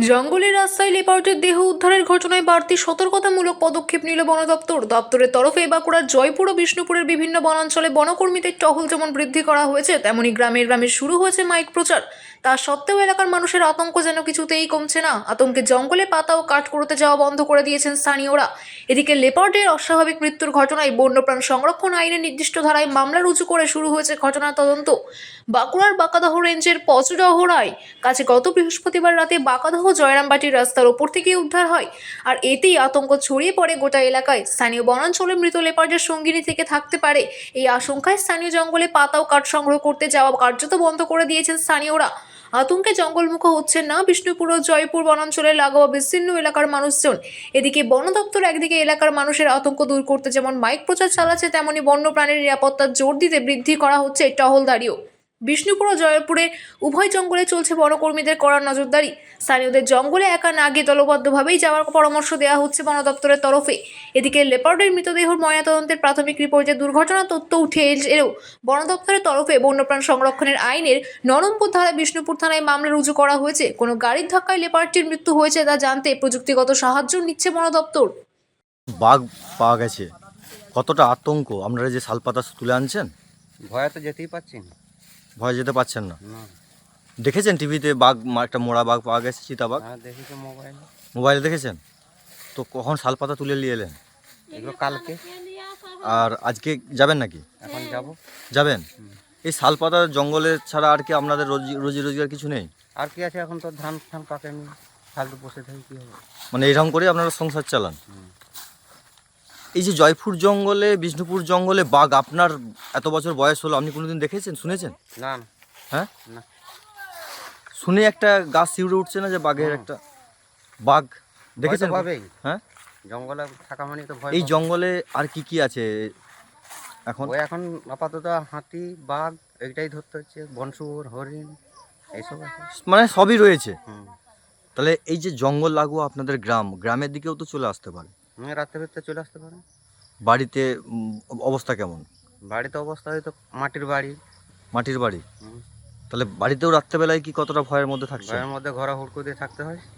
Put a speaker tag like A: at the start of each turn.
A: জঙ্গলের রাস্তায় লেপার্ডের দেহ উদ্ধারের ঘটনায় বাড়তি সতর্কতামূলক পদক্ষেপ নিল বন দপ্তর। দপ্তরের তরফে বাঁকুড়ার জয়পুর ও বিষ্ণুপুরের বিভিন্ন বনাঞ্চলে বনকর্মীদের টহল যেমন বৃদ্ধি করা হয়েছে, তেমনি গ্রামে গ্রামে শুরু হয়েছে মাইক প্রচার। তা সত্ত্বেও এলাকার মানুষের আতঙ্ক যেন কিছুতেই কমছে না। আতঙ্কে জঙ্গলে পাতা ও কাঠ কুড়োতে যাওয়া বন্ধ করে দিয়েছেন স্থানীয়রা। এদিকে লেপার্ডের অস্বাভাবিক মৃত্যুর ঘটনায় বন্যপ্রাণ সংরক্ষণ আইনের নির্দিষ্ট ধারায় মামলা রুজু করে শুরু হয়েছে ঘটনার তদন্ত। বাঁকুড়ার বাঁকাদহ রেঞ্জের পচডহরায় কাছে গত বৃহস্পতিবার রাতে বাঁকাদহ জয়রামবাটির রাস্তার ওপর থেকে উদ্ধার হয়। আর এতেই আতঙ্ক ছড়িয়ে পড়ে গোটা এলাকায়। স্থানীয় বনাঞ্চলে মৃত লেপার্ডের সঙ্গিনী থেকে থাকতে পারে এই আশঙ্কায় স্থানীয় জঙ্গলে পাতা ও কাঠ সংগ্রহ করতে যাওয়া কার্যত বন্ধ করে দিয়েছেন স্থানীয়রা। আতঙ্কে জঙ্গলমুখ হচ্ছেন না বিষ্ণুপুর ও জয়পুর বনাঞ্চলে লাগোয়া বিস্তীর্ণ এলাকার মানুষজন। এদিকে বন দপ্তর একদিকে এলাকার মানুষের আতঙ্ক দূর করতে যেমন মাইক প্রচার চালাচ্ছে, তেমনি বন্যপ্রাণীর নিরাপত্তা জোর দিতে বৃদ্ধি করা হচ্ছে টহলদারিও। বিষ্ণুপুর ও জয়পুরে উভয় জঙ্গলে চলছে বনকর্মীদের কড়া নজরদারি। স্থানীয়দের জঙ্গলে একা না গিয়ে দলবদ্ধভাবেই যাওয়ার পরামর্শ দেওয়া হচ্ছে বন দপ্তরের তরফে। এদিকে লেপার্ডের মৃতদেহর ময়নাতদন্তের প্রাথমিক রিপোর্টে দুর্ঘটনার তথ্য উঠে এলেও বন দপ্তরের তরফে বন্যপ্রাণ সংরক্ষণের আইনের নম্বর ধারায় বিষ্ণুপুর থানায় মামলা রুজু করা হয়েছে। কোনো গাড়ির ধাক্কায় লেপার্ডটির মৃত্যু হয়েছে তা জানতে প্রযুক্তিগত সাহায্য নিচ্ছে বন দপ্তর।
B: বাঘ পাওয়া গেছে, কতটা আতঙ্ক! আপনারা যে শালপাতা তুলে আনছেন,
C: ভয়ে তো যেতেই পারছি না।
B: ভয় যেতে পারছেন না?
C: না।
B: দেখেছেন টিভিতে বাঘ, একটা মোড়া বাঘ পাওয়া গেছে, চিতাবাঘ?
C: হ্যাঁ, দেখেছি মোবাইলে।
B: মোবাইলে দেখেছেন? তো কখন শালপাতা তুলে নিয়ে এলেন?
C: এগুলো কালকে।
B: আর আজকে যাবেন নাকি?
C: এখন যাব।
B: যাবেন? এই শালপাতা জঙ্গলে ছাড়া আর কি আপনাদের রোজি রোজগার কিছু নেই?
C: আর কি আছে, এখন তো ধান ফান পাকেনি, ফালতু বসে থাকি কী হবে।
B: মানে এরকম করে আপনারা সংসার চালান? এই যে জয়পুর জঙ্গলে, বিষ্ণুপুর জঙ্গলে বাঘ, আপনার এত বছর বয়স হলো, আপনি কোনোদিন দেখেছেন, শুনেছেন?
C: না না।
B: হ্যাঁ,
C: না।
B: শুনে একটা গাছ শিউরে উঠছে না যে বাঘের একটা বাঘ দেখেছেন?
C: পাবেই।
B: হ্যাঁ,
C: জঙ্গলে থাকা মানে তো ভয়
B: এই
C: পাবে।
B: জঙ্গলে আর কি কি আছে এখন?
C: ওই এখন আপাতত হাতি, বাঘ এইটাই ধরতে হচ্ছে, বনশুয়োর, হরিণ এইসব আছে।
B: মানে সবই রয়েছে।
C: হুম।
B: তাহলে এই যে জঙ্গল লাগোয়া আপনাদের গ্রামের দিকেও তো চলে আসতে পারে।
C: রাত্রে ভিতরে চলে আসতে পারে।
B: বাড়িতে অবস্থা কেমন?
C: বাড়িতে অবস্থা হয়তো মাটির বাড়ি।
B: মাটির বাড়ি?
C: হুম।
B: তাহলে বাড়িতেও রাত্রেবেলায় কি কতটা ভয়ের মধ্যে থাকছে?
C: ঘরের মধ্যে ঘোরা হুড়কো দিয়ে থাকতে হয়।